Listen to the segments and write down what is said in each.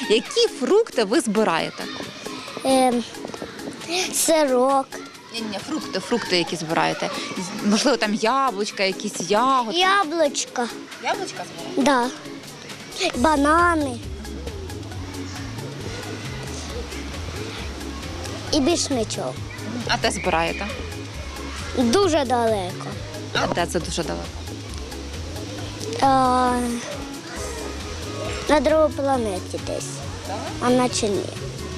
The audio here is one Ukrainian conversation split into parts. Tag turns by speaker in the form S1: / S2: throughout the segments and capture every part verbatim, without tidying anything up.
S1: Які фрукти ви збираєте?
S2: Е, сирок.
S1: Ні, ні, фрукти, фрукти, які збираєте. Можливо, там яблучка, якісь ягоди.
S2: Яблучко.
S1: Яблучка збираєте?
S2: Да. Банани. І більш нічого.
S1: А де збираєте?
S2: Дуже далеко.
S1: А де це дуже далеко?
S2: А, на другій планеті десь. А наче ні.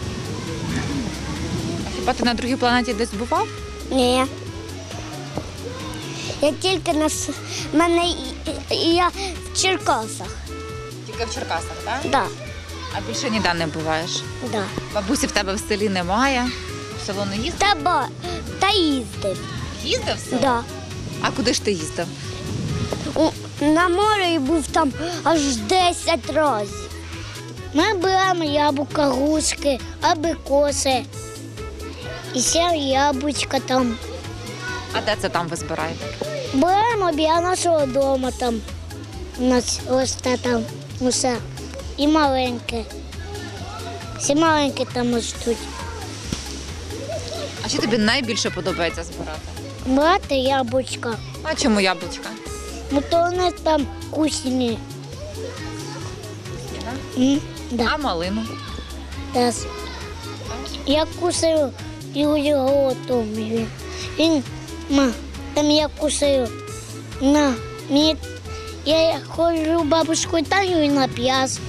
S1: А хіба ти на другій планеті десь бував?
S2: Ні. Я тільки на с- мене і- і я в Черкасах.
S1: Тільки в Черкасах, так?
S2: Да,
S1: А більше ніде не буваєш?
S2: да.
S1: Бабусі в тебе в селі немає? В село не їздив?
S2: Та, ба, та їздив.
S1: Їздив в село?
S2: Да.
S1: А куди ж ти їздив?
S2: У- На морі був там аж десять разів. Ми беремо яблука, грушки, абрикоси. І ще яблучка там.
S1: А де це там ви збираєте?
S2: Беремо біля нашого дому там. У нас росте там усе. І маленьке. Всі маленькі там ростуть.
S1: А що тобі найбільше подобається збирати?
S2: Брати яблучка.
S1: А чому яблучка?
S2: Ну то вони там вкусні. М, Да.
S1: А малину?
S2: Да. Я кусаю його готовий. Він, ма, там я кусаю. На, мені, я ходжу бабушку Таню і на п'яс.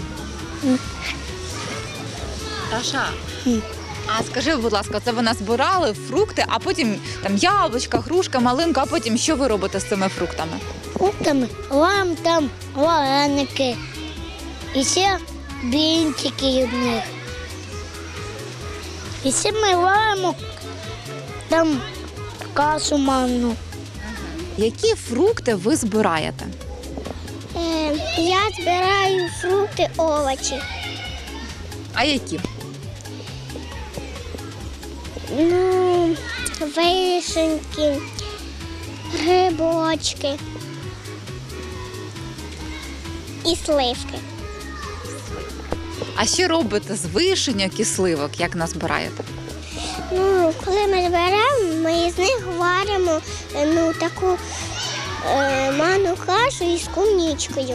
S1: Таша,
S2: М.
S1: а скажи, будь ласка, це ви назбирали фрукти, а потім там яблучка, грушка, малинка, а потім що ви робите з цими фруктами?
S2: Фруктами, вам там вареники. І ще блінчики від них. І ще ми варимо там кашу манну.
S1: Які фрукти ви збираєте?
S2: Е, я збираю фрукти, овочі.
S1: А які?
S2: Ну, вишеньки, грибочки і сливки.
S1: А що робите з вишеньок і сливок, як назбираєте?
S2: Ну, коли ми зберемо, ми з них варимо е, ну, таку е, манну кашу із куничкою.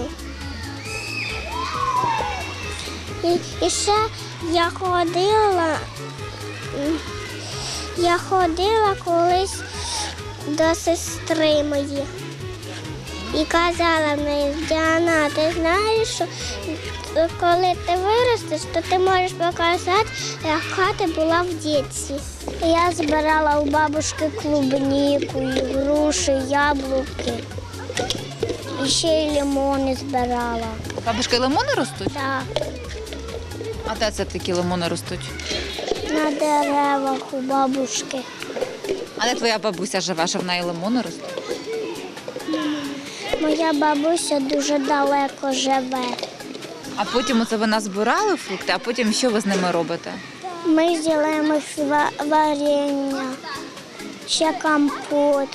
S2: І, і ще я ходила, м, я ходила колись до сестри моєї. І казала мені: Діана, ти знаєш, що коли ти виростеш, то ти можеш показати, яка ти була в дитинстві. Я збирала у бабушки клубніку, і груші, яблуки. І ще й лимони збирала.
S1: Бабушки, лимони ростуть?
S2: Так,
S1: А де це такі лимони ростуть?
S2: на деревах у бабушки.
S1: А де твоя бабуся живе, що в неї лимони ростуть?
S2: Моя бабуся дуже далеко живе.
S1: А потім оце ви назбирали фрукти, а потім що ви з ними робите?
S2: Ми зробимо варення, ще компот.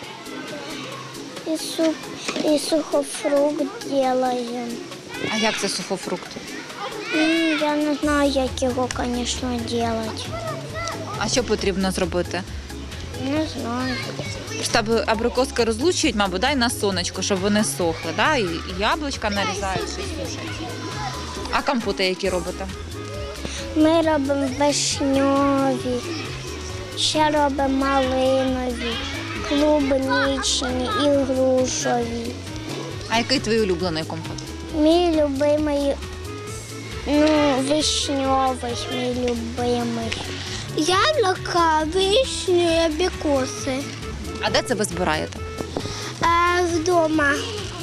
S2: І, суп, і сухофрукт робимо.
S1: А як це сухофрукт?
S2: М, Я не знаю, як його, звісно, робити.
S1: А що потрібно зробити?
S2: Не знаю.
S1: Щоб абрикоски розлучують, мабуть, дай на сонечко, щоб вони сохли, да? І і яблучка нарізають, щось сушать. А компоти які робите?
S2: Ми робимо вишньові, ще робимо малинові, клубничні і грушові.
S1: А який твій улюблений компот?
S2: Мій любимий, ну, вишньовий, мій любимий. Яблука, вишні, абрикоси.
S1: А де це ви збираєте?
S2: А вдома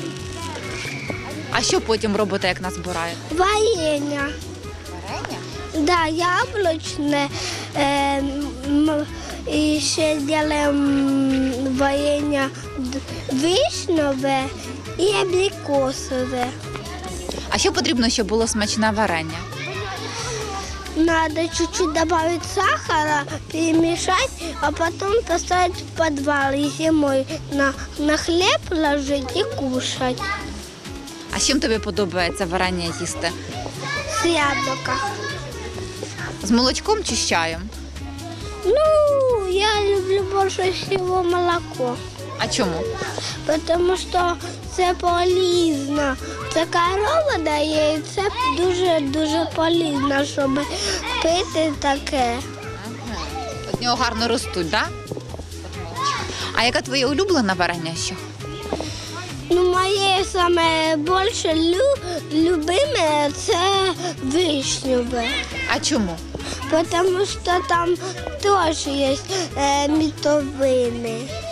S1: А що потім робите, як назбираєте?
S2: варення.
S1: Варення?
S2: Да, яблучне. Е, м, і ще робимо варення д- вишневе і абрикосове.
S1: А що потрібно, щоб було смачне варення?
S2: Надо чуть-чуть добавить сахара, перемешать, а потом поставить в подвал и зимой на, на хлеб ложить и кушать.
S1: А з чим тобі подобається варення їсти?
S2: С яблука.
S1: З молочком чи з чаєм?
S2: Ну, я люблю більше всього молоко,
S1: А чому?
S2: тому що це полезно. Це корова дає, і це дуже-дуже полезно, щоб пити таке.
S1: З нього гарно ростуть, так? А яка твоя улюблена варення ще?
S2: Ну, моє саме більше лю, любиме це вишневе.
S1: А чому?
S2: Тому що там теж є е, мітовини.